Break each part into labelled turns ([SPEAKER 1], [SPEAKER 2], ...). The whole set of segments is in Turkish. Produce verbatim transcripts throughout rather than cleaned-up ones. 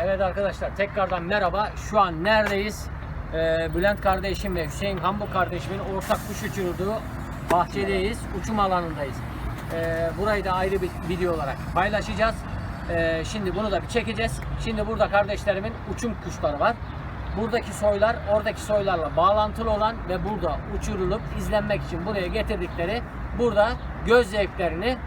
[SPEAKER 1] Evet arkadaşlar, tekrardan merhaba. Şu an neredeyiz? Ee, Bülent kardeşim ve Hüseyin Hambu kardeşimin ortak kuş uçurduğu bahçedeyiz. Uçum alanındayız. Ee, burayı da ayrı bir video olarak paylaşacağız. Ee, şimdi bunu da bir çekeceğiz. Şimdi burada kardeşlerimin uçum kuşları var. Buradaki soylar oradaki soylarla bağlantılı olan ve burada uçurulup izlenmek için buraya getirdikleri, burada göz zevklerini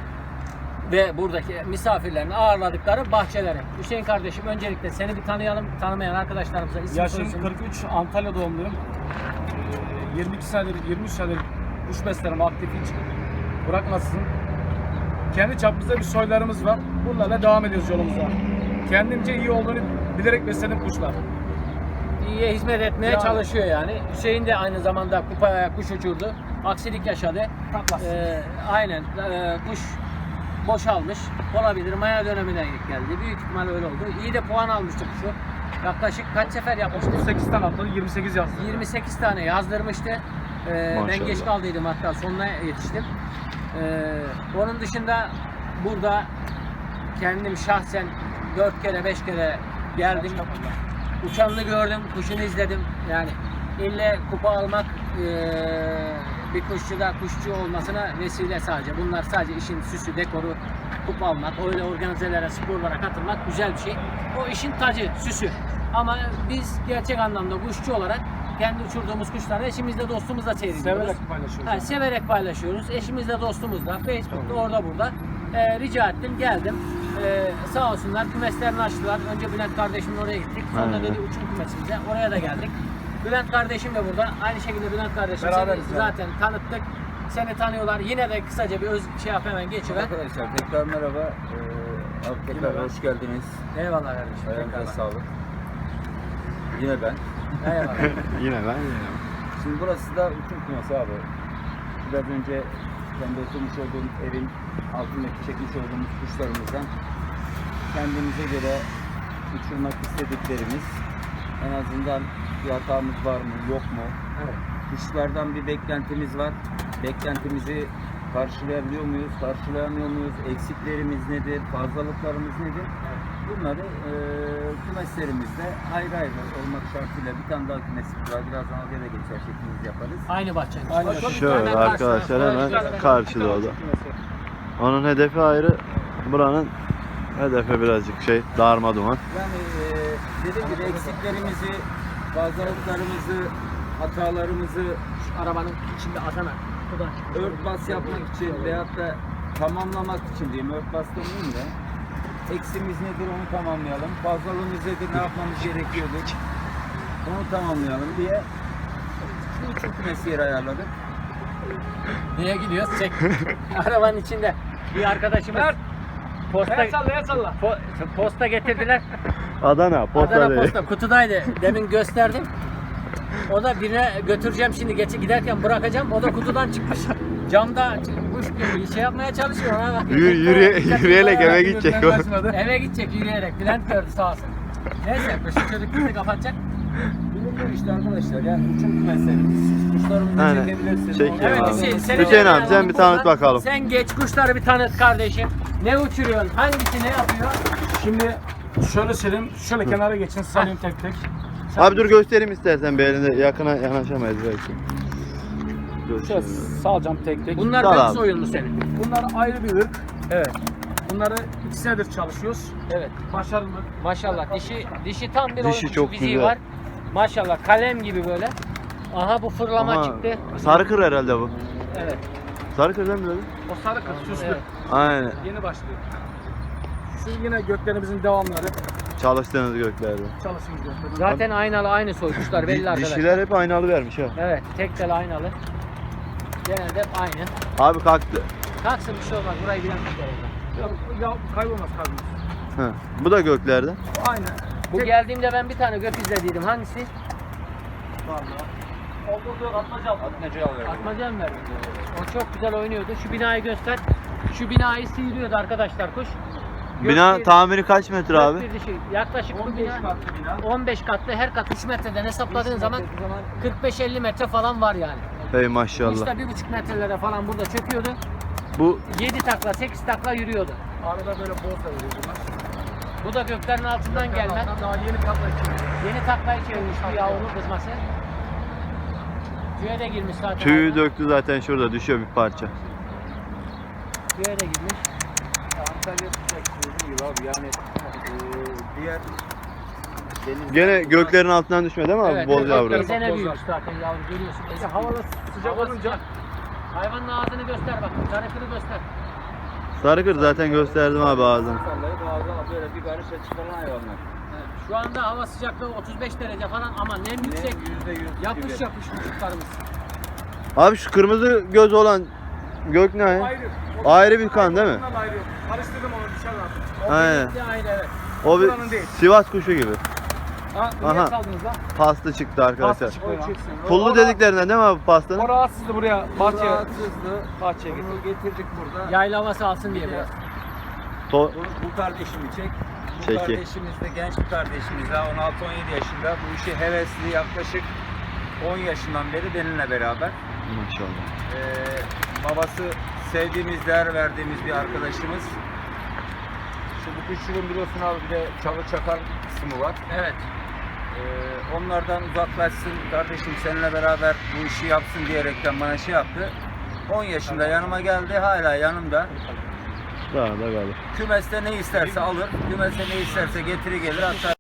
[SPEAKER 1] ve buradaki misafirlerini ağırladıkları bahçeleri. Hüseyin kardeşim, öncelikle seni bir tanıyalım. Tanımayan arkadaşlarımıza isim
[SPEAKER 2] Yaşım
[SPEAKER 1] soyisim.
[SPEAKER 2] kırk üç, Antalya doğumluyum. Ee, yirmi iki senedir, yirmi üç senedir kuş beslerim, aktif hiç bırakmasın. Kendi çapımızda bir soylarımız var. Bunlarla devam ediyoruz yolumuza. Kendimce iyi olduğunu bilerek besledim kuşlar.
[SPEAKER 1] İyiye hizmet etmeye
[SPEAKER 2] Yani.
[SPEAKER 1] çalışıyor yani. Hüseyin de aynı zamanda kupaya kuş uçurdu. Aksilik yaşadı.
[SPEAKER 2] Taklas.
[SPEAKER 1] Ee, aynen. Ee, kuş boşalmış. Olabilir. Maya dönemine geldi. Büyük ihtimal öyle oldu. İyi de puan almıştı kuşu. Yaklaşık kaç sefer yapmıştı?
[SPEAKER 2] otuz sekiz tane atladı, yirmi sekiz yazdı.
[SPEAKER 1] yirmi sekiz tane yazdırmıştı. Ee, ben geç kaldıydım, hatta sonuna yetiştim. Ee, onun dışında burada kendim şahsen dört kere beş kere geldim. Uçanını gördüm, kuşunu izledim. Yani ille kupa almak ee, bir kuşçuda kuşçu olmasına vesile sadece. Bunlar sadece işin süsü, dekoru, kupa almak, öyle organizelere, sporlara katılmak güzel bir şey. O işin tacı, süsü. Ama biz gerçek anlamda kuşçu olarak kendi uçurduğumuz kuşları eşimizle dostumuzla seyrediyoruz.
[SPEAKER 2] Severek paylaşıyoruz.
[SPEAKER 1] Ha, severek paylaşıyoruz. Eşimizle dostumuzla, Facebook'ta, orada burada. Ee, rica ettim, geldim. Ee, sağ olsunlar, kümeslerini açtılar. Önce Bülent kardeşimle oraya gittik. Sonra
[SPEAKER 3] Aynen.
[SPEAKER 1] dedi uçum kümesimize. Oraya da geldik. Bülent kardeşim de burada. Aynı şekilde Bülent kardeşim
[SPEAKER 2] Beraberiz
[SPEAKER 1] seni
[SPEAKER 2] yani.
[SPEAKER 1] zaten tanıttık. Seni tanıyorlar. Yine de kısaca bir öz şey yap, hemen geçiver.
[SPEAKER 4] Arkadaşlar tekrar merhaba. Ee, abi tekrar
[SPEAKER 1] Merhaba.
[SPEAKER 4] hoş geldiniz.
[SPEAKER 1] Eyvallah kardeşim.
[SPEAKER 4] Ayağınıza
[SPEAKER 1] Tekrardan.
[SPEAKER 4] sağlık. Yine ben.
[SPEAKER 1] Eyvallah.
[SPEAKER 3] Yine ben yine.
[SPEAKER 4] Şimdi burası da uçum kümesi abi. Biraz önce kendi oturmuş olduğum evin altındaki çekmiş olduğumuz kuşlarımızdan kendimize göre uçurmak istediklerimiz, en azından bir hatamız var mı yok mu?
[SPEAKER 1] Evet.
[SPEAKER 4] Kuşlardan bir beklentimiz var. Beklentimizi karşılayabiliyor muyuz, karşılayamıyor muyuz? Eksiklerimiz nedir, fazlalıklarımız nedir? Bunları e, kümeslerimizde ayrı ayrı olmak şartıyla bir tane daha kümesimiz var. Birazdan oraya da geçer şeklimiz yaparız.
[SPEAKER 1] Aynı bahçenin.
[SPEAKER 2] Aynı
[SPEAKER 1] Bak,
[SPEAKER 2] bahçe.
[SPEAKER 3] Şöyle
[SPEAKER 1] hemen
[SPEAKER 3] arkadaşlar,
[SPEAKER 1] karşıda.
[SPEAKER 3] hemen karşıda o da. Onun hedefi ayrı. Buranın hedefi birazcık şey, darma duman.
[SPEAKER 4] Yani e, dediğim gibi eksiklerimizi, fazlalıklarımızı, hatalarımızı
[SPEAKER 1] Şu arabanın içinde Adana. Bu da.
[SPEAKER 4] örtbas yapmak için veyahut da tamamlamak için diyeyim, örtbas demeyeyim de eksimiz nedir onu tamamlayalım, fazlalığımız nedir, ne yapmamız gerekiyordur onu tamamlayalım diye bu uçum kümesi yeri ayarladık.
[SPEAKER 1] Niye gidiyoruz? Çek. Arabanın içinde bir arkadaşımız posta,
[SPEAKER 2] El salla, el salla.
[SPEAKER 1] po- posta getirdiler.
[SPEAKER 3] Adana, posta
[SPEAKER 1] Adana
[SPEAKER 3] değil.
[SPEAKER 1] posta kutudaydı. Demin gösterdim. O da birine götüreceğim şimdi, geç giderken bırakacağım. O da kutudan çıkmış. Camda kuş gibi şey yapmaya çalışıyor. Ona bak.
[SPEAKER 3] Yürü, yürüye, yürüyerek eve gidecek o.
[SPEAKER 1] Eve gidecek yürüyerek. Bülent gördü sağ olsun. Neyse, kuşu çocuk bizi kapatacak.
[SPEAKER 4] Bilinmiyor işte arkadaşlar, yani uçum kümeslerimiz, siz kuşlarımızı
[SPEAKER 3] Aynen.
[SPEAKER 4] çekebilirsiniz.
[SPEAKER 3] Çek
[SPEAKER 4] Onlar-
[SPEAKER 3] ya.
[SPEAKER 1] Evet
[SPEAKER 3] abi.
[SPEAKER 1] Hüseyin, seni
[SPEAKER 3] Hüseyin abi,
[SPEAKER 1] de-
[SPEAKER 3] sen bir tanıt bakalım.
[SPEAKER 1] Sen geç, kuşları bir tanıt kardeşim. Ne uçuruyorsun? Hangisi ne yapıyor?
[SPEAKER 2] Şimdi şöyle söyleyeyim, şöyle kenara geçin, salayım tek tek.
[SPEAKER 3] Abi dur göstereyim istersen, bir elinde yakına yanaşamayız belki. Dur
[SPEAKER 2] Şöyle
[SPEAKER 3] şimdi.
[SPEAKER 2] salacağım tek tek.
[SPEAKER 1] Bunlar
[SPEAKER 3] Sağ
[SPEAKER 1] ırk
[SPEAKER 3] abi.
[SPEAKER 1] soyun mu senin?
[SPEAKER 2] Bunlar ayrı bir ırk.
[SPEAKER 1] Evet.
[SPEAKER 2] Bunları iki senedir çalışıyoruz.
[SPEAKER 1] Evet.
[SPEAKER 2] Başarılı.
[SPEAKER 1] Maşallah dişi dişi tam bir
[SPEAKER 3] Dişi
[SPEAKER 1] oyun kuşu
[SPEAKER 3] çok
[SPEAKER 1] fiziği
[SPEAKER 3] güzel.
[SPEAKER 1] var. Maşallah kalem gibi böyle. Aha bu fırlama
[SPEAKER 3] Ama
[SPEAKER 1] çıktı.
[SPEAKER 3] sarı kır herhalde bu.
[SPEAKER 1] Evet.
[SPEAKER 3] Sarı kır değil mi dedi?
[SPEAKER 2] O sarı kız süslü.
[SPEAKER 1] Evet.
[SPEAKER 3] Aynen.
[SPEAKER 2] Yeni başlıyor. Şu yine göklerimizin devamları.
[SPEAKER 3] Çalıştığınız göklerde.
[SPEAKER 2] Çalışımız gökleri.
[SPEAKER 1] Zaten aynalı aynı soy kuşlar belli
[SPEAKER 3] Di-
[SPEAKER 1] arkadaşlar.
[SPEAKER 3] Dişiler hep aynalı vermiş ha.
[SPEAKER 1] Evet, tek tel aynalı. Genelde hep aynı.
[SPEAKER 3] Abi kalktı.
[SPEAKER 1] Kalksın, bir şey olmaz. Burayı bilen tutar orada.
[SPEAKER 2] Ya, ya kaybolmaz kalbimiz.
[SPEAKER 3] Ha. Bu da göklerde.
[SPEAKER 2] Aynen.
[SPEAKER 1] Bu
[SPEAKER 2] Tek-
[SPEAKER 1] geldiğimde ben bir tane gök izlediydim. Hangisi?
[SPEAKER 2] Oldu atmaca al.
[SPEAKER 4] Atmaca alıyorum.
[SPEAKER 1] Atmaca mı verdi? O çok güzel oynuyordu. Şu binayı göster. Şu binayı sıyırıyordu arkadaşlar kuş.
[SPEAKER 3] Bina
[SPEAKER 1] Gök-
[SPEAKER 3] tahmini kaç metre abi?
[SPEAKER 1] gök bir dişi. Yaklaşık bu
[SPEAKER 2] on beş
[SPEAKER 1] bina
[SPEAKER 2] katlı bina.
[SPEAKER 1] on beş katlı, her kat üç metreden hesapladığın zaman kırk beş elli metre falan var yani.
[SPEAKER 3] Hey maşallah.
[SPEAKER 1] İşte bir buçuk metrelere falan burada çöküyordu.
[SPEAKER 3] Bu
[SPEAKER 1] yedi takla, sekiz takla yürüyordu.
[SPEAKER 2] Arada böyle bol da veriyor bunlar.
[SPEAKER 1] Bu da göklerin altından gelme.
[SPEAKER 2] Daha yeni takla için.
[SPEAKER 1] Yeni taklayı çevirmiş bu yavru kızması. Tüye de girmiş zaten.
[SPEAKER 3] Tüyü
[SPEAKER 1] hayvan.
[SPEAKER 3] döktü zaten, şurada düşüyor bir parça.
[SPEAKER 1] Tüye de girmiş.
[SPEAKER 4] Antalya sıcak dediğim gibi abi yani e, diğer denizler-
[SPEAKER 3] Gene göklerin altından düşme değil mi abi?
[SPEAKER 1] Evet,
[SPEAKER 3] Boz
[SPEAKER 1] evet,
[SPEAKER 3] yavru.
[SPEAKER 1] Ezene
[SPEAKER 2] Boz
[SPEAKER 1] büyümüş zaten yavru görüyorsun.
[SPEAKER 2] İşte
[SPEAKER 1] Ezene.
[SPEAKER 2] hava sıcak
[SPEAKER 1] Hava
[SPEAKER 2] olunca
[SPEAKER 1] sıcak. Hayvanın ağzını göster bak. Sarıkırı göster.
[SPEAKER 3] Sarıkır zaten gösterdim abi ağzını.
[SPEAKER 4] Sallayıp ağzına böyle bir karışa çıkaran hayvanlar.
[SPEAKER 1] Evet, şu anda hava sıcaklığı otuz beş derece falan ama nem yüksek.
[SPEAKER 4] yüzde yüz
[SPEAKER 1] Yapış
[SPEAKER 4] gibi.
[SPEAKER 1] yapış vücutlarımız.
[SPEAKER 3] Abi şu kırmızı göz olan gök ne?
[SPEAKER 2] ayrı. O-
[SPEAKER 3] Ayrı bir kan değil mi?
[SPEAKER 2] Ondan ayrı. Karıştırdım onu dışarıdan.
[SPEAKER 3] Aynen.
[SPEAKER 1] Bir de ayrı evet.
[SPEAKER 3] O bir
[SPEAKER 2] buranın değil.
[SPEAKER 3] Sivas kuşu gibi.
[SPEAKER 2] Ha,
[SPEAKER 3] Aha.
[SPEAKER 2] niye saldınız lan?
[SPEAKER 3] Pasta çıktı arkadaşlar.
[SPEAKER 2] Pasta çıktı ya.
[SPEAKER 3] Pullu dediklerinden değil mi abi pastanın?
[SPEAKER 2] O rahatsızdı buraya. Bahçeye.
[SPEAKER 4] Rahatsızdı.
[SPEAKER 2] Bahçeye gitti.
[SPEAKER 4] Bunu getirdik burada.
[SPEAKER 1] Yayla havası alsın diye biraz.
[SPEAKER 3] To
[SPEAKER 4] Bu, bu kardeşimi çek. Bu
[SPEAKER 3] Çeki.
[SPEAKER 4] kardeşimiz de genç bir kardeşimiz daha on altı on yedi yaşında. Bu işi hevesli yaklaşık on yaşından beri benimle beraber.
[SPEAKER 3] maşallah.
[SPEAKER 4] Ee, babası sevdiğimiz, değer verdiğimiz bir arkadaşımız. Şu bu kuşçuluğun biliyorsun abi bir de çalı çakal kısmı var.
[SPEAKER 1] Evet.
[SPEAKER 4] Ee, onlardan uzaklaşsın kardeşim seninle beraber bu işi yapsın diyerekten bana şey yaptı. on yaşında yanıma geldi, hala yanımda.
[SPEAKER 3] Daha da kalır.
[SPEAKER 4] Kümeste ne isterse alır, kümeste ne isterse getiri gelir, hatta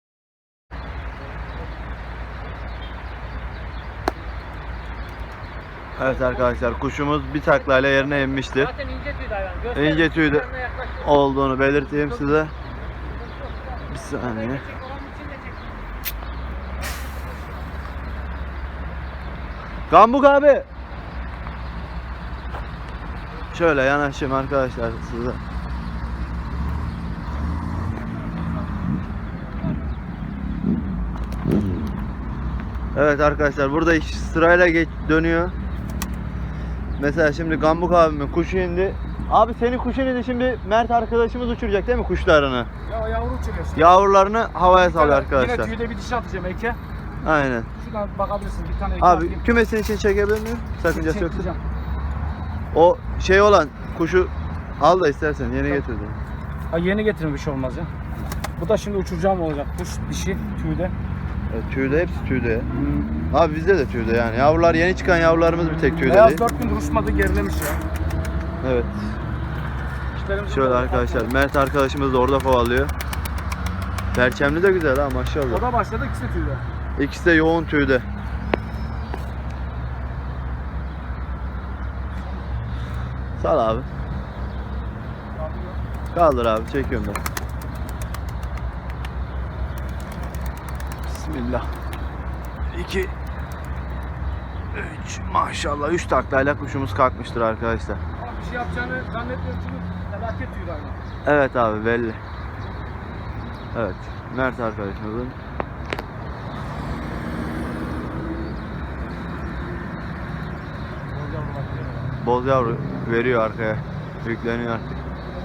[SPEAKER 3] Evet arkadaşlar, kuşumuz bir taklayla yerine inmiştir.
[SPEAKER 1] Zaten ince tüydü hayvan. Göster.
[SPEAKER 3] İnce tüydü
[SPEAKER 1] Yanına yaklaş.
[SPEAKER 3] olduğunu belirteyim size. Bir saniye.
[SPEAKER 1] Çek, oranın içinde çek.
[SPEAKER 3] Gambuk abi. Şöyle yanaşayım arkadaşlar size. Evet arkadaşlar, burada iş sırayla geç dönüyor. Mesela şimdi Gambuk abimin kuşu indi. Abi senin kuşun indi, şimdi Mert arkadaşımız uçuracak değil mi kuşlarını?
[SPEAKER 2] Ya yavru uçuruyor.
[SPEAKER 3] Yavrularını havaya salıyor
[SPEAKER 2] Yine
[SPEAKER 3] arkadaşlar.
[SPEAKER 2] tüyde bir dişi atacağım Eke.
[SPEAKER 3] Aynen.
[SPEAKER 2] Şuradan bakabilirsin bir tane Eke
[SPEAKER 3] Abi
[SPEAKER 2] atayım.
[SPEAKER 3] kümesin için çekebilir miyim? Sakıncası yoksa.
[SPEAKER 2] Çekeceğim.
[SPEAKER 3] O şey olan kuşu al da istersen, yeni getirdim.
[SPEAKER 2] Ha, yeni getirin bir şey olmaz ya. Bu da şimdi uçuracağım olacak. Kuş dişi tüyde.
[SPEAKER 3] Evet, tüyde, hepsi tüyde ya. Abi bizde de tüyde yani. Yavrular, yeni çıkan yavrularımız bir tek tüyde
[SPEAKER 2] Beyaz
[SPEAKER 3] değil.
[SPEAKER 2] dört gün uçmadı, gerilemiş ya.
[SPEAKER 3] Evet.
[SPEAKER 2] İşlerimiz
[SPEAKER 3] Şöyle
[SPEAKER 2] burada.
[SPEAKER 3] arkadaşlar, Mert arkadaşımız da orada kovalıyor. Perçemli de güzel ha,
[SPEAKER 2] O
[SPEAKER 3] maşallah.
[SPEAKER 2] da başladı, ikisi tüyde.
[SPEAKER 3] İkisi de yoğun tüyde. Sal abi. Kaldır abi, çekiyorum ben. Bismillah. iki üç maşallah, üç taklayla kuşumuz kalkmıştır arkadaşlar.
[SPEAKER 2] Ama bir şey yapacağını zannetmiyorum çünkü felaket tüydü aynı.
[SPEAKER 3] Evet abi, belli. Evet, Mert arkadaşımızın boz yavru veriyor arkaya. Yükleniyor artık.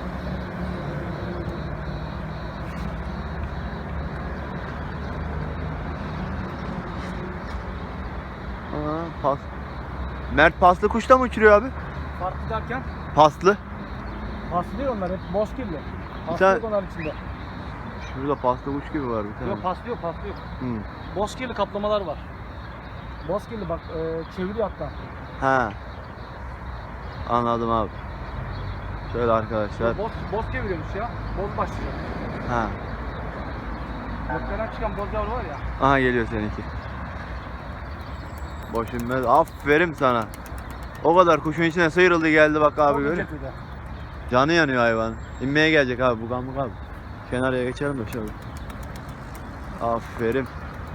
[SPEAKER 3] Aa, pas. Mert paslı kuşta mı uçuruyor abi?
[SPEAKER 2] Farklı derken
[SPEAKER 3] Paslı.
[SPEAKER 2] paslı değil onlar, hep bozkirli. Paslı
[SPEAKER 3] Sen-
[SPEAKER 2] yok onların içinde.
[SPEAKER 3] Şurada paslı kuş gibi var bir tane.
[SPEAKER 2] Yok paslı yok, paslı yok.
[SPEAKER 3] Hı.
[SPEAKER 2] Bozkirli kaplamalar var. Bozkirli bak e, çeviriyor hatta.
[SPEAKER 3] Ha. Anladım abi. Şöyle arkadaşlar.
[SPEAKER 2] Boz, boz çeviriyormuş ya. Boz başlayacak.
[SPEAKER 3] Ha.
[SPEAKER 2] Göklerden çıkan boz yavru var ya.
[SPEAKER 3] Aha geliyor seninki. Boş inmez. Aferin sana. O kadar kuşun içine sıyrıldı geldi bak abi,
[SPEAKER 2] Çok
[SPEAKER 3] görüyor
[SPEAKER 2] ince
[SPEAKER 3] musun?
[SPEAKER 2] tüyde.
[SPEAKER 3] Canı yanıyor hayvan. İnmeye gelecek abi bu Gambuk abi. Kenarıya geçelim de şöyle. Aferin.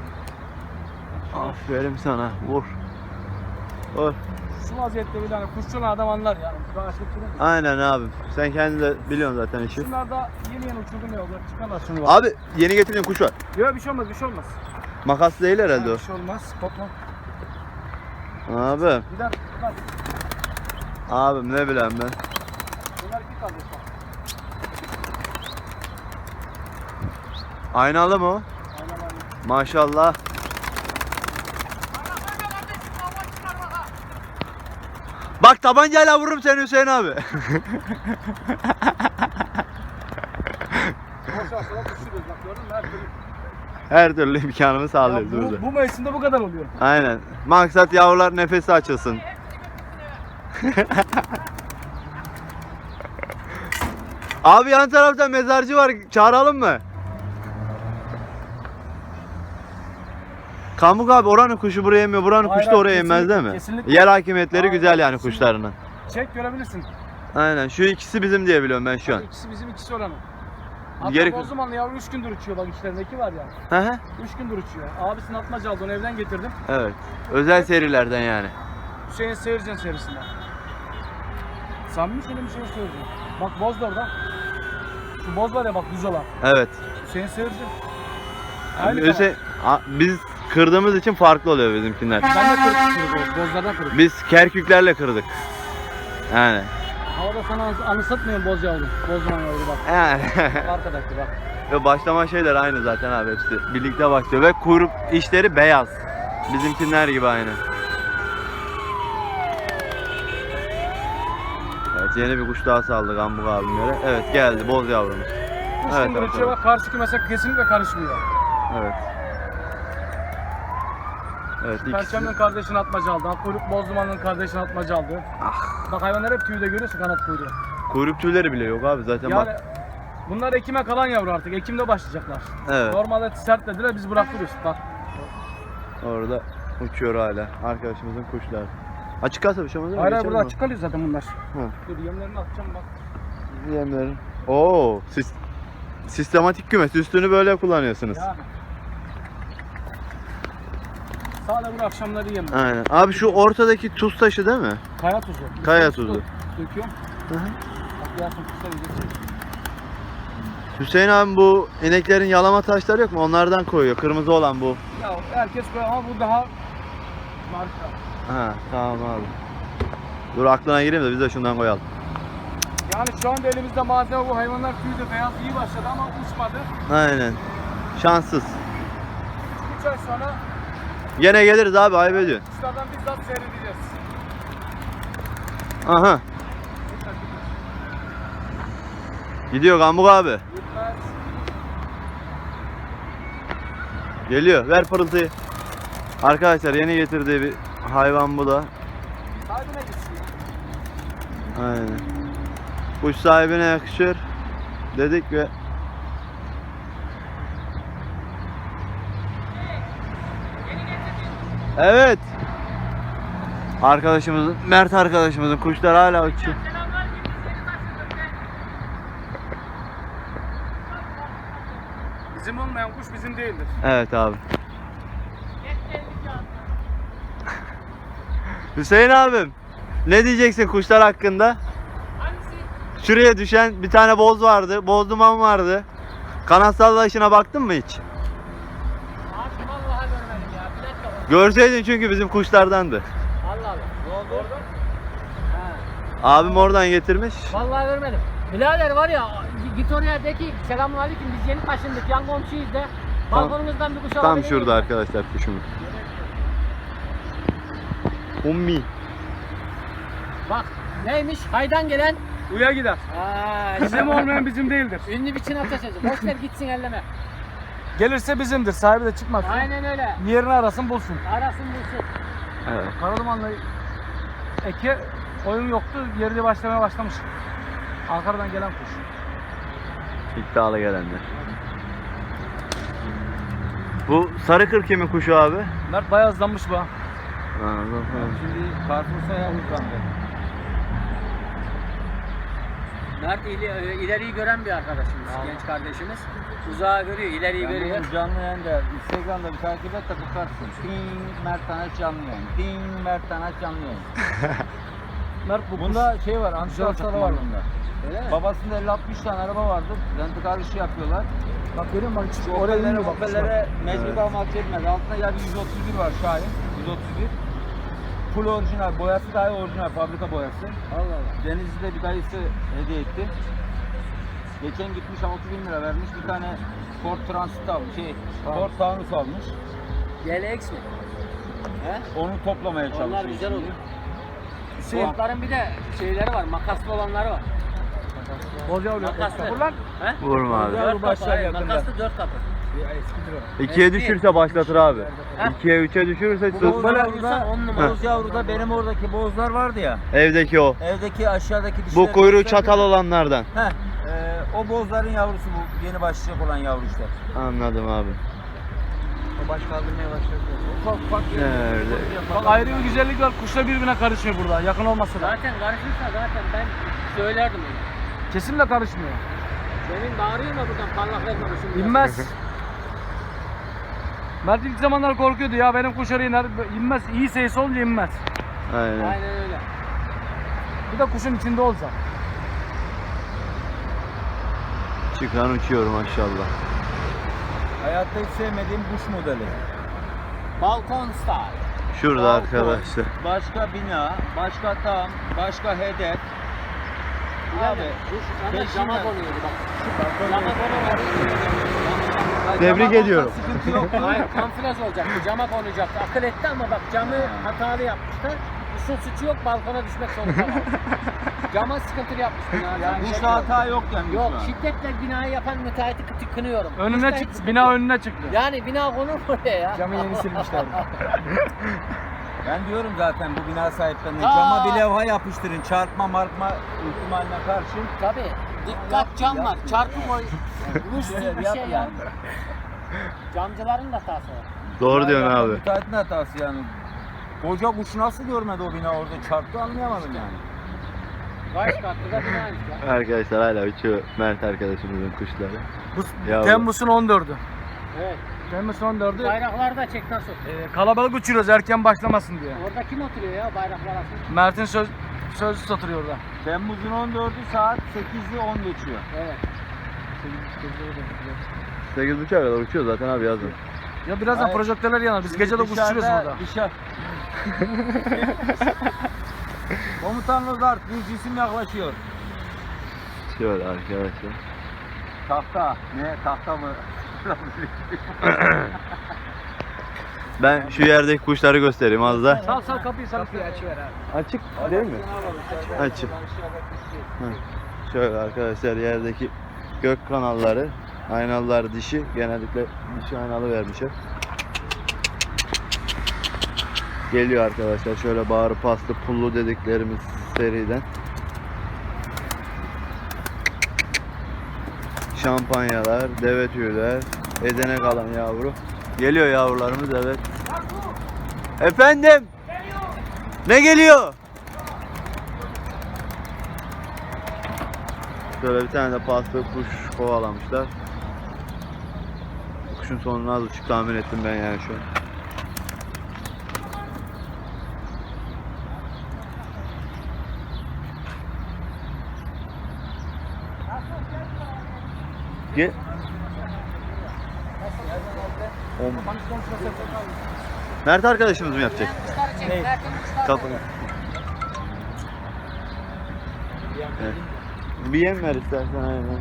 [SPEAKER 3] Aferin sana. Vur. Vur.
[SPEAKER 2] Şu vaziyette bile hani kuşçulan adam anlar yani. Daha çok tüyde.
[SPEAKER 3] Aynen abi. Sen kendin de biliyorsun zaten işi.
[SPEAKER 2] Şunlar da yeni yeni uçurdum ya. Onlar çıkarlar şunu bak.
[SPEAKER 3] Abi yeni getirdiğin kuş var.
[SPEAKER 2] Yok bir şey olmaz, bir şey olmaz.
[SPEAKER 3] Makas değil herhalde
[SPEAKER 2] Bir şey olmaz. Kopma.
[SPEAKER 3] o. Abi.
[SPEAKER 2] Gider, gider.
[SPEAKER 3] Abim ne bileyim ben.
[SPEAKER 2] Bunlar iki kaldı şu an.
[SPEAKER 3] Aynalı mı o?
[SPEAKER 2] Aynen aynen.
[SPEAKER 3] Maşallah. Bak tabancayla vururum seni Hüseyin abi.
[SPEAKER 2] Boş ver, sonra Her türlü.
[SPEAKER 3] Her türlü imkanımı
[SPEAKER 2] Ya
[SPEAKER 3] sağlıyoruz
[SPEAKER 2] bu,
[SPEAKER 3] burada.
[SPEAKER 2] bu mevsimde bu kadar oluyor.
[SPEAKER 3] Aynen. Maksat yavrular nefesi açılsın. Abi yan tarafta mezarcı var. Çağıralım mı? Kamuk abi oranın kuşu buraya yemiyor. Buranın
[SPEAKER 2] Hayır,
[SPEAKER 3] kuşu da oraya
[SPEAKER 2] kesinlikle,
[SPEAKER 3] yemez değil mi?
[SPEAKER 2] kesinlikle.
[SPEAKER 3] Yer hakimiyetleri
[SPEAKER 2] Hayır,
[SPEAKER 3] güzel yani
[SPEAKER 2] kesinlikle.
[SPEAKER 3] kuşlarının.
[SPEAKER 2] Çek görebilirsin.
[SPEAKER 3] Aynen. Şu ikisi bizim diye biliyorum ben şu an.
[SPEAKER 2] İkisi bizim, ikisi oranın. Hatta
[SPEAKER 3] Geri-
[SPEAKER 2] Bozdumanlı yavru üç gündür uçuyor, bak içlerindeki var ya.
[SPEAKER 3] Hı hı.
[SPEAKER 2] üç gündür uçuyor. Abisinin atmaca aldı, onu evden getirdim.
[SPEAKER 3] Evet. Özel serilerden yani.
[SPEAKER 2] Hüseyin Seyircan serisinden. Samimi şöyle bir şey söyleyeceğim. Bak boz da orada. Şu boz var ya bak düz olan.
[SPEAKER 3] Evet.
[SPEAKER 2] Hüseyin Seyircan. Aynı
[SPEAKER 3] Öse, A- biz kırdığımız için farklı oluyor bizimkiler.
[SPEAKER 2] kanal. Ben de kırık kırık o, bozlardan kırık.
[SPEAKER 3] Biz kerküklerle kırdık. Yani.
[SPEAKER 2] Havada sana anı- anımsatmıyorum boz yavru. Bozduman yavru bak.
[SPEAKER 3] Yani.
[SPEAKER 2] Arkadaki bak.
[SPEAKER 3] Ve başlama şeyler aynı zaten abi hepsi. Birlikte başlıyor ve kuyruk işleri beyaz. Bizimkiler gibi aynı. Evet yeni bir kuş daha saldık Ambuk abimlere. Evet geldi boz yavrumuz.
[SPEAKER 2] Üç
[SPEAKER 3] Evet,
[SPEAKER 2] gündür
[SPEAKER 3] evet,
[SPEAKER 2] uçuyor
[SPEAKER 3] evet.
[SPEAKER 2] bak, karşı kümese kesinlikle karışmıyor.
[SPEAKER 3] Evet. Evet ikisi.
[SPEAKER 2] Perçem'in kardeşini atmaca aldı. Kuyruk Bozduman'ın kardeşini atmaca aldı.
[SPEAKER 3] Ah.
[SPEAKER 2] Bak hayvanlar hep tüyde, görüyorsun kanat kuyruğu.
[SPEAKER 3] Kuyruk tüyleri bile yok abi zaten
[SPEAKER 2] Yani
[SPEAKER 3] bak.
[SPEAKER 2] bunlar Ekim'e kalan yavru artık. Ekim'de başlayacaklar.
[SPEAKER 3] Evet.
[SPEAKER 2] Normalde sert dediler, biz bırakıyoruz. Bak.
[SPEAKER 3] Orada uçuyor hala arkadaşımızın kuşları. Açık kalsa bir şey olmaz değil mi?
[SPEAKER 2] Hayır hayır,
[SPEAKER 3] Geçelim
[SPEAKER 2] burada
[SPEAKER 3] mi?
[SPEAKER 2] açık kalıyor zaten bunlar.
[SPEAKER 3] Hı.
[SPEAKER 2] Dur yemlerini atacağım bak.
[SPEAKER 3] Yemlerin. Oo, sis- sistematik kümes. Üstünü böyle kullanıyorsunuz.
[SPEAKER 2] Yani. Sadece bunu akşamları yem.
[SPEAKER 3] Aynen. Abi şu ortadaki tuz taşı değil mi?
[SPEAKER 2] Kaya tuzu.
[SPEAKER 3] Kaya tuzu.
[SPEAKER 2] Döküyorum.
[SPEAKER 3] Hı hı.
[SPEAKER 2] Bak Yasin kuşlar yiyecek.
[SPEAKER 3] Hüseyin abi bu ineklerin yalama taşları yok mu? Onlardan koyuyor. Kırmızı olan bu.
[SPEAKER 2] Ya herkes koyuyor ama bu daha marka.
[SPEAKER 3] Ha tamam abi. Dur aklına gireyim de biz de şundan koyalım.
[SPEAKER 2] Yani şu anda elimizde malzeme bu. Hayvanlar tüyde beyaz iyi başladı ama uçmadı.
[SPEAKER 3] Aynen. Şanssız.
[SPEAKER 2] üç ay sonra
[SPEAKER 3] Gene geliriz abi ayıp ediyorsun.
[SPEAKER 2] kuşlardan bizzat seyredeceğiz.
[SPEAKER 3] Aha. Gidiyor Gambuk abi.
[SPEAKER 2] Gitmez.
[SPEAKER 3] Geliyor. Ver pırıltıyı. Arkadaşlar yeni getirdiği bir hayvan bu da.
[SPEAKER 2] Sahibine gitsin.
[SPEAKER 3] Aynen. Kuş sahibine yakışır dedik ve evet. Arkadaşımızın, Mert arkadaşımızın kuşlar hala uçuyor.
[SPEAKER 2] Bizim olmayan kuş bizim değildir.
[SPEAKER 3] Evet abi. Hüseyin abim, ne diyeceksin kuşlar hakkında? Şuraya düşen bir tane boz vardı, boz duman vardı. Kanat sallayışına baktın mı hiç?
[SPEAKER 1] Abi vallahi görmedim ya. Bir dakika bak.
[SPEAKER 3] Görseydin çünkü bizim kuşlardandı.
[SPEAKER 1] Allah Allah. Ne oldu orada? Ha.
[SPEAKER 3] Abim oradan getirmiş.
[SPEAKER 1] Vallahi görmedim. Birader var ya, git oraya de ki selamünaleyküm, biz yeni taşındık, yan komşuyuz de.
[SPEAKER 3] Tam-
[SPEAKER 1] Balkonumuzdan bir kuş
[SPEAKER 3] Tam
[SPEAKER 1] alabilir
[SPEAKER 3] şurada
[SPEAKER 1] miyim?
[SPEAKER 3] arkadaşlar kuşumuz. Ummi.
[SPEAKER 1] Bak neymiş? Haydan gelen.
[SPEAKER 2] Uya gider.
[SPEAKER 1] Aa,
[SPEAKER 2] Bizim olmayan bizim değildir.
[SPEAKER 1] ünlü bir Çin atasözü. Boş ver gitsin elleme.
[SPEAKER 2] Gelirse bizimdir. Sahibi de çıkmaz.
[SPEAKER 1] Aynen öyle.
[SPEAKER 2] Yerini arasın bulsun.
[SPEAKER 1] Arasın bulsun.
[SPEAKER 3] Evet.
[SPEAKER 2] Karaduman'la Eke oyun yoktu. Yerine başlamaya başlamış. Ankara'dan gelen kuş.
[SPEAKER 3] İddialı gelenler. Bu sarı kır kimin kuşu abi?
[SPEAKER 2] Mert bayağı hızlanmış bu ha.
[SPEAKER 4] Şimdi Carrefour'sa uzandı.
[SPEAKER 1] Mert ili, e, ileriyi gören bir arkadaşımız, genç kardeşimiz. Uzağı görüyor, ileriyi
[SPEAKER 4] Yani
[SPEAKER 1] görüyor.
[SPEAKER 4] benim canlı yayında Instagram'da bir takip et de bakarsın. Ding Mert Tanaç canlı yayın. Ding Mert Tanaç canlı yayın.
[SPEAKER 2] Mert bu
[SPEAKER 4] Bunda şey var,
[SPEAKER 2] Güzel
[SPEAKER 4] antika hastaları var
[SPEAKER 2] takım
[SPEAKER 4] bunda.
[SPEAKER 1] Öyle mi?
[SPEAKER 4] Babasında elli altmış tane araba vardı. Rentikar işi yapıyorlar.
[SPEAKER 2] Bak görüyor musun? Bak hiç
[SPEAKER 4] Şu
[SPEAKER 2] oraya
[SPEAKER 4] Opel'lere,
[SPEAKER 2] iniyor bak.
[SPEAKER 4] Opel'lere mecbur almak yetmez. Altında ya bir yüz otuz bir var Şahin. yüz otuz bir. Full orijinal. Boyası dahi orijinal. Fabrika boyası.
[SPEAKER 1] Allah Allah.
[SPEAKER 4] Denizli'de bir dayısı hediye etti. Geçen gitmiş altı bin lira vermiş. Bir tane Ford Transit almış. Şey, Ford Taunus almış.
[SPEAKER 1] G L X mi? He?
[SPEAKER 4] Onu toplamaya çalışıyor.
[SPEAKER 1] Onlar güzel
[SPEAKER 4] şimdi.
[SPEAKER 1] oluyor.
[SPEAKER 4] Şey-
[SPEAKER 1] Ford'ların bir de şeyleri var, makaslı olanları var.
[SPEAKER 2] Boz yavru.
[SPEAKER 1] Makaslı.
[SPEAKER 2] Vur lan.
[SPEAKER 1] He?
[SPEAKER 3] Vurma abi.
[SPEAKER 2] Yavru
[SPEAKER 1] Dört
[SPEAKER 2] başlar
[SPEAKER 1] kapı, hayır,
[SPEAKER 2] yakında.
[SPEAKER 1] makaslı dört kapı.
[SPEAKER 3] İkiye düşürse başlatır abi.
[SPEAKER 1] Heh.
[SPEAKER 3] İkiye üçe düşürürse
[SPEAKER 4] Bu
[SPEAKER 3] sus.
[SPEAKER 4] boz
[SPEAKER 1] Böyle
[SPEAKER 4] yavruda,
[SPEAKER 1] vurursan on numara.
[SPEAKER 4] boz yavruda benim oradaki bozlar vardı ya.
[SPEAKER 3] Evdeki o.
[SPEAKER 4] Evdeki aşağıdaki dişler.
[SPEAKER 3] Bu kuyruğu çatal olanlardan.
[SPEAKER 4] Heh, e, o bozların yavrusu bu yeni başlayacak olan yavru işte.
[SPEAKER 3] Anladım abi.
[SPEAKER 4] O baş kaldırmaya başladı. Ufak ufak
[SPEAKER 3] Nerede?
[SPEAKER 2] Bak ayrı bir güzellik var. Kuşlar birbirine karışmıyor burada. Yakın olmasa da.
[SPEAKER 1] Zaten karışırsa zaten ben söylerdim onu.
[SPEAKER 2] Kesinlikle karışmıyor.
[SPEAKER 1] Benim bağırıyor da buradan parlak verme kuşum.
[SPEAKER 2] İnmez. Mert ilk zamanlar korkuyordu ya benim kuşları iner. İnmez. İyi sayısı olunca inmez.
[SPEAKER 3] Aynen.
[SPEAKER 1] Aynen öyle.
[SPEAKER 2] Bir de kuşun içinde olacak.
[SPEAKER 3] Çıkan uçuyor maşallah.
[SPEAKER 4] Hayatta hiç sevmediğim kuş modeli.
[SPEAKER 1] Balkon style.
[SPEAKER 3] Şurada
[SPEAKER 4] Balkon,
[SPEAKER 3] arkadaşlar.
[SPEAKER 4] Başka bina, başka tam, başka hedef.
[SPEAKER 1] Abi
[SPEAKER 4] Abi,
[SPEAKER 1] kuş hemen
[SPEAKER 4] beşinci-
[SPEAKER 1] cama konuyordu bak. Cama konuyordu.
[SPEAKER 3] Tebrik
[SPEAKER 4] Tamam,
[SPEAKER 3] ediyorum.
[SPEAKER 4] Sıkıntı yok.
[SPEAKER 1] Hayır kamuflaj olacaktı. Cama konacaktı. Akıl etti ama bak camı hatalı yapmışlar. Kuşun suçu yok balkona düşmek zorunda kaldı. Cama sıkıntılı yapmışsın abi.
[SPEAKER 4] Yani
[SPEAKER 1] Sen
[SPEAKER 4] bu
[SPEAKER 1] şey
[SPEAKER 4] hata yok yani.
[SPEAKER 1] Yok
[SPEAKER 4] şu an.
[SPEAKER 1] şiddetle binayı yapan müteahhiti kı- kınıyorum.
[SPEAKER 2] Önüne
[SPEAKER 1] Kuşta hiç
[SPEAKER 2] çıktı.
[SPEAKER 1] sıkıntı
[SPEAKER 2] Bina
[SPEAKER 1] yok.
[SPEAKER 2] önüne çıktı.
[SPEAKER 1] Yani bina konur mu oraya ya?
[SPEAKER 2] Camı yeni silmişlerdi.
[SPEAKER 4] Ben diyorum zaten bu bina sahiplerine
[SPEAKER 1] Aa!
[SPEAKER 4] cama bir levha yapıştırın. Çarpma markma ihtimaline karşı.
[SPEAKER 1] Tabii. Dikkat cam var. Çarpı koy. Vuruş
[SPEAKER 4] Şöyle
[SPEAKER 1] bir
[SPEAKER 4] yap
[SPEAKER 1] şey ya.
[SPEAKER 4] yani.
[SPEAKER 1] Camcıların da hatası var.
[SPEAKER 3] Doğru diyorsun
[SPEAKER 4] Yani
[SPEAKER 3] abi.
[SPEAKER 4] Müteahhitin hatası yani. Koca kuş nasıl görmedi o bina orada çarptı anlayamadım yani.
[SPEAKER 1] Kaç katlı da binaymış ya.
[SPEAKER 3] Arkadaşlar hala uçuyor Mert arkadaşımızın kuşları.
[SPEAKER 2] Bu
[SPEAKER 3] Yavru.
[SPEAKER 2] Temmuz'un on dördü.
[SPEAKER 1] Evet.
[SPEAKER 2] Temmuz'un on dördü.
[SPEAKER 1] Bayrakları da çek nasıl?
[SPEAKER 2] Ee, kalabalık uçuruyoruz erken başlamasın diye.
[SPEAKER 1] Orada kim oturuyor ya bayraklar altında?
[SPEAKER 2] Mert'in söz sözlü satılıyor orada.
[SPEAKER 4] Temmuz'un on dördü saat sekizde on geçiyor.
[SPEAKER 1] Evet.
[SPEAKER 3] sekiz buçuğa kadar uçuyor zaten abi yazın.
[SPEAKER 2] Ya birazdan
[SPEAKER 4] Hayır.
[SPEAKER 2] projektörler yanar. Biz gece de kuş
[SPEAKER 4] Dışarıda-
[SPEAKER 2] uçuruyoruz burada.
[SPEAKER 4] Dışarı. Komutan Lozart bir cisim yaklaşıyor.
[SPEAKER 3] Şöyle arkadaşlar.
[SPEAKER 4] Tahta. Ne? Tahta mı?
[SPEAKER 3] Ben şu yerdeki kuşları göstereyim az da.
[SPEAKER 2] Sal sal kapıyı sal. Kapıyı açıver abi.
[SPEAKER 3] Açık değil mi? Açık. Hı. Şöyle arkadaşlar yerdeki gök kanalları, aynalılar dişi, genellikle dişi aynalı vermişler. Geliyor arkadaşlar şöyle bağrı paslı pullu dediklerimiz seriden. Şampanyalar, deve tüyler, edene kalan yavru. Geliyor yavrularımız evet. Efendim? Ne geliyor? Şöyle bir tane de paslı kuş kovalamışlar. Kuşun sonunu az buçuk tahmin ettim ben yani şu an. Gel. On- Mert arkadaşımız mı yapacak?
[SPEAKER 1] Kuşları çek. Mert'in kuşları.
[SPEAKER 3] Kapını. Evet. Bir yem ver istersen aynen.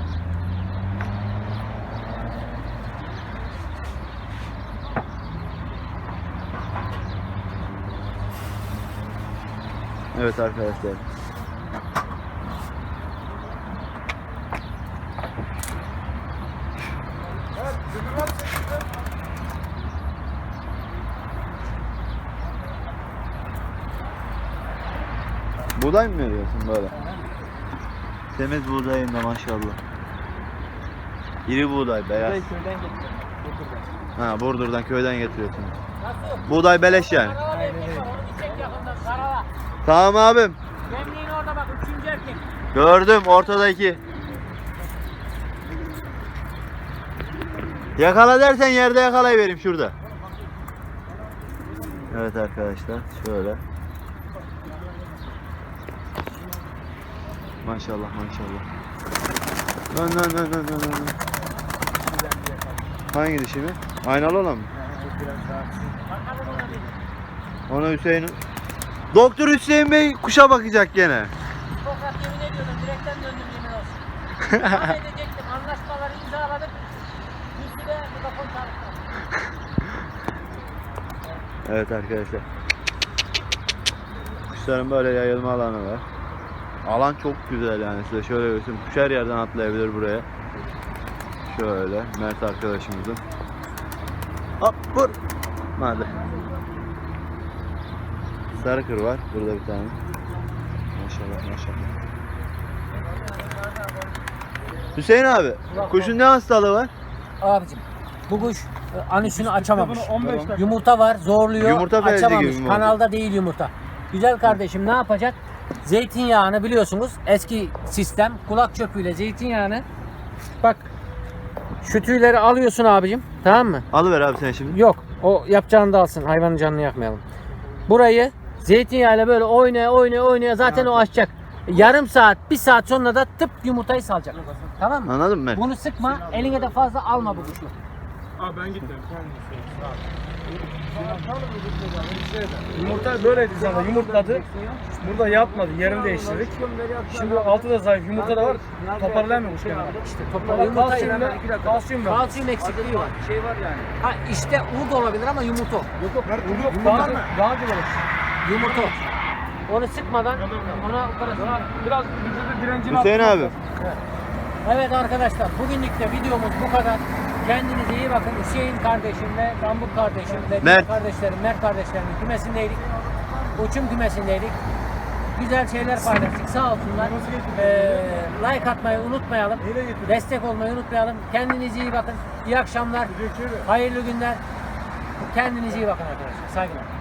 [SPEAKER 3] Evet arkadaşlar. Buğday mı veriyorsun böyle? Temiz buğdayın da maşallah. İri buğday beyaz.
[SPEAKER 2] Köyden getirdim.
[SPEAKER 3] Ha Burdur'dan köyden getiriyorsun.
[SPEAKER 1] Nasıl?
[SPEAKER 3] Buğday beleş yani.
[SPEAKER 1] Karala bir erkek var. Onu bir çek yakından. Karala.
[SPEAKER 3] Tamam abim.
[SPEAKER 1] Gemliğin orada bak. Üçüncü erkek.
[SPEAKER 3] Gördüm ortadaki. Yakala dersen yerde yakalayıvereyim şurada. Evet arkadaşlar şöyle. Maşallah maşallah. Lan lan lan lan lan lan. Hangi dişi mi? Aynalı olan mı?
[SPEAKER 1] Bakalım ona bir.
[SPEAKER 3] Ona Hüseyin. Doktor Hüseyin Bey kuşa bakacak gene.
[SPEAKER 1] Sokak yemin ediyordum. Direkten döndüm yemin olsun. Tam edecektim. Anlaşmaları imzaladık. Bir süre mikrofon çalıştı.
[SPEAKER 3] Evet arkadaşlar. Kuşların böyle yayılma alanı var. Alan çok güzel yani size şöyle göstereyim. Kuş her yerden atlayabilir buraya. Şöyle Mert arkadaşımızın. Hop vur. Hadi. Sarı kır var burada bir tane. Maşallah maşallah. Hüseyin abi, kuşun ne hastalığı var?
[SPEAKER 1] Abicim bu kuş e, anüsünü açamamış.
[SPEAKER 2] Bunu on beş dakika.
[SPEAKER 1] Yumurta var, zorluyor,
[SPEAKER 3] Yumurta felci
[SPEAKER 1] açamamış.
[SPEAKER 3] gibi mi oldu?
[SPEAKER 1] Kanalda değil yumurta. Güzel kardeşim ne yapacak? Zeytinyağını biliyorsunuz eski sistem kulak çöpüyle zeytinyağını bak şu tüyleri alıyorsun abicim, tamam mı?
[SPEAKER 3] Alıver abi sen şimdi.
[SPEAKER 1] Yok, o yapacağını da alsın, hayvanın canını yakmayalım. Burayı zeytinyağıyla böyle oynaya oynaya oynaya zaten o açacak. Yarım saat, bir saat sonra da tıp yumurtayı salacak. Tamam mı?
[SPEAKER 3] Anladın mı?
[SPEAKER 1] Bunu sıkma, eline de fazla alma bu kuşu.
[SPEAKER 2] Abi ben gittim. Yumurta böyleydi zaten. Yumurtladı. Burada yatmadı. Yerini değiştirdik. Şimdi altı da zayıf. Yumurta da var. Toparlayamıyormuş kendini.
[SPEAKER 1] İşte toplam yumurtayı
[SPEAKER 2] Kalsiyum, kalsiyum var.
[SPEAKER 1] kalsiyum eksikliği var.
[SPEAKER 4] Şey var yani.
[SPEAKER 1] Ha işte un da olabilir ama yumurta. o.
[SPEAKER 2] Yok yok. Daha, daha güzel olur.
[SPEAKER 1] Yumurta. o. Onu sıkmadan ona operasyon.
[SPEAKER 2] Biraz vücudu direncini
[SPEAKER 3] Hüseyin
[SPEAKER 2] arttırmak
[SPEAKER 3] abi.
[SPEAKER 2] lazım.
[SPEAKER 1] Evet arkadaşlar bugünlük de videomuz bu kadar. Kendinize iyi bakın. Hüseyin kardeşimle, Rambuk kardeşimle, diğer
[SPEAKER 3] Mert.
[SPEAKER 1] kardeşlerim, Mert kardeşlerimin kümesindeydik. Uçum kümesindeydik. Güzel şeyler paylaştık. Sağ olsunlar. Ee, like atmayı unutmayalım. Destek olmayı unutmayalım. Kendinize iyi bakın. İyi akşamlar. Hayırlı günler. Kendinize iyi bakın arkadaşlar. Saygılar.